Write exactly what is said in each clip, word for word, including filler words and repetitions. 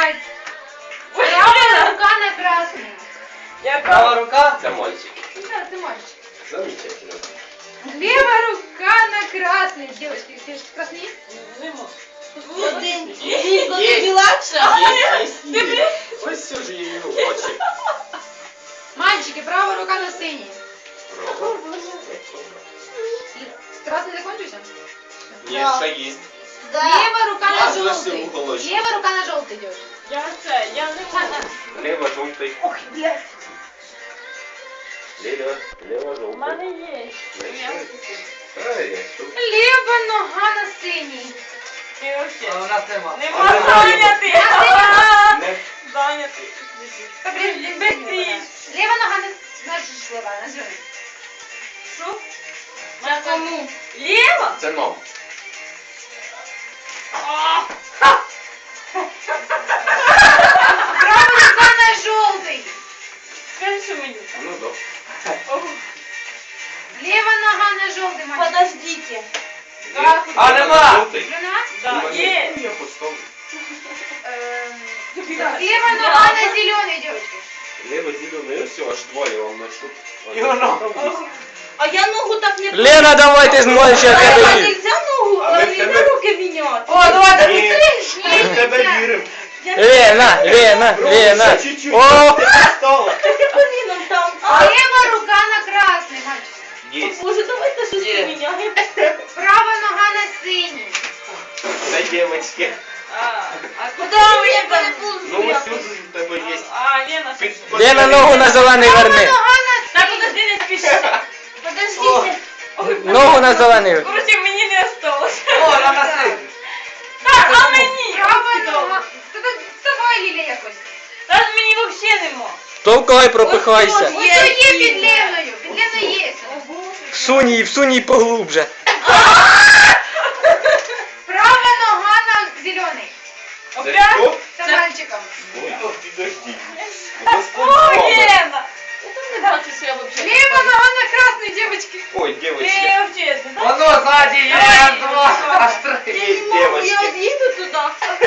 відбувається? Права рука на красний. Права рука? Це мальчик. Да, ты можешь. Замечательно. Левая рука на красный. Девочки, ты же красный? Один. Дінко, тобі легше? Ось все ж її очі. Мальчики, правая рука на синій. Право. Красный закончился? Ні, ще їсть. Да. Левая рука на А, за все желтый. уголочки. Левая рука на желтый девочки. Я це, я не можу. Лево, жовтий. Ох, блядь. Лево, лево, У жовтий. мене є. Правильно. Тут. Лева нога на синій. Ти А вообще. у нас нема. Нема А, зайнятий. Не. Зайнятий. Та, блін, быстрее. Лева нога на, на жила, на зеленый. Що? На кому? Ліва? Це ном. Правая рука на желтый. Скажи, що мені. Ну, да. Лева нога на желтый, мальчик. Подождите. Как? А, нема. Жовтий. Жена? Да, У мене- є. Я поставлю. Эм, Лева нога на зеленый, девочки. Лево, зелений. Ось все, аж двоє вам знайшов. І воно. А я ногу так не... Лена, давай ти зможеш, я А тебе вірю. нельзя ногу, А ми а в нельзя тебе- руки міняти. О, давай, Ні, ми в тебе віримо. Лена, Лена, Лена. Ще чуть-чуть. О! Ти стала. Ти коліном там. А, Лева рука на красный, мальчик. Єсть. Боже, давайте щось Є. поміняємо. Права нога на синій. Це дівчатки. А, а куди Куди ви я там? переплутала? Ну ось тут у тебе є. А, Лена, Під- Лена, ногу на зелений Права верни. нога на Так, синій. подожди, не спіши. Подождите. Ногу на зелений. Короче, мені не осталось. О, на носи. Так, а мені? Права нога. Та тут вставай, Ліля, якось. Та ж мені взагалі нема. Товкай, пропихайся. Ось що є під Леною. Під Леною є. Всунь її, всунь її поглубже. Права нога на зелений. Це Опять? хто? Це мальчиком. Ой, підожди. О, Лена! Я там не бачу, що я взагалі. Лева нога на красный, девочки. Ой, Ти дівчатки. взагалі, да? Воно ззаді є, Давай. два, аж три. Є Я не можу, я дівчатки. од'їду туди.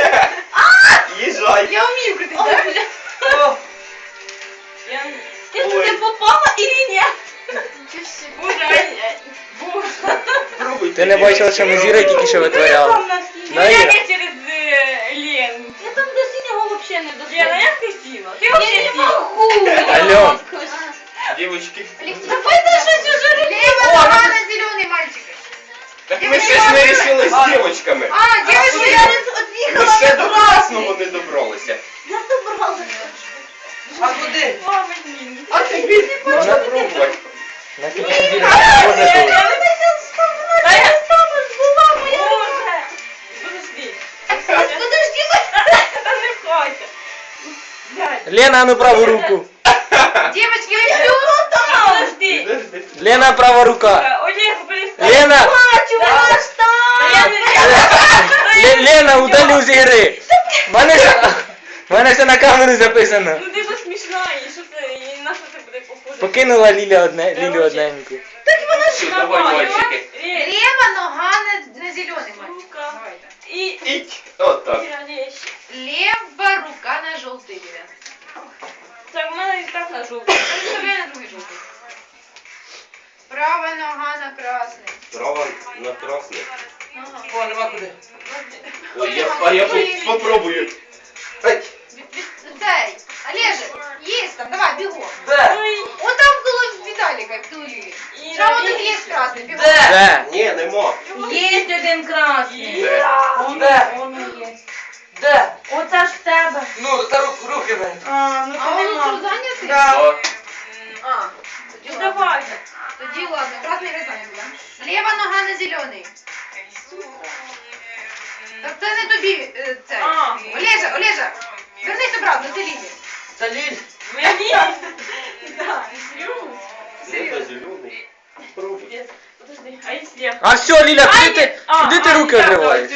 Їжджай. Я умею крутить, Ой, да? бля. О. Я... Ти Ой. туди попала или ні? Боже, ай, ай. Боже. Пробуйте. Ти не бачила, що ми з Ірою тільки що витворяли. Там на стіні. Да, Я Іра? не через е, Лену. Я там до синього взагалі не доходжу. Лена, як ти сіла? Ти Я взагалі не сіла? можу. Алло. Дівчатки. Давайте щось уже Лева нога на зеленый, мальчики. Так ми ще ж не рішили з дівчатками. А, девочки, Я я... не Ми од'їхала ще на до красний. красного не добралися. Я добралася. А куди? Мама, ні. А тобі не Можна пробувати. Нафіг тобі Іра, поза Я- того. я- Та я стану, була моя. Боже. Подожди. Подожди, Та не входьте. Блядь. Лена, ну праву руку. Девочки, я я жду. Та подожди. Підожди. Лена, права рука. Олег, перестань. Лена, бачу, ваш Та я там. не... Ле- Лена, удалю з ігри. В Мене все, в мене все на камеру записано. Ну ти бо смішна, і що це, і на що це буде похоже? Покинула Ліля одне, Лілю одненьку. Все, давай, мальчики. Ре- Лева нога на, на зеленый, мальчик. Рука. Давайте. І... Іть. От так. Речі. Лева рука на желтый, ребят. Так, в мене і так на жовтий. Представляю на другой желтый. Правая нога на красный. Права на красний. Ага. О, нема куди. Ой, я, а я по- попробую. Ай. Дай, Олежек, есть там, давай, бегом. Де? Ой, Вот там около Виталика, около Лили. Іра, Там вот Іра. есть красный, бегом. Де? Де? Ні, нема. Є один красний. Де? Де? Он есть. Де? Оце ж в тебе. Ну, та рук, руки дай. А, ну А то он нема. тут занятый? Да. А, Ну тоді ладно. давай. Тоді ладно, красный резанец, да? Лева нога на зеленый. Так це не тобі, е, це. А. Олежа, Олежа, вернись обратно, це Лілі. Та Ліль. Мені? Да, серйозно? Лето зелений. Пробуй. Подожди, а якщо я... А все, Ліля, куди ти, А, куди ти а, руки так, відриваєш?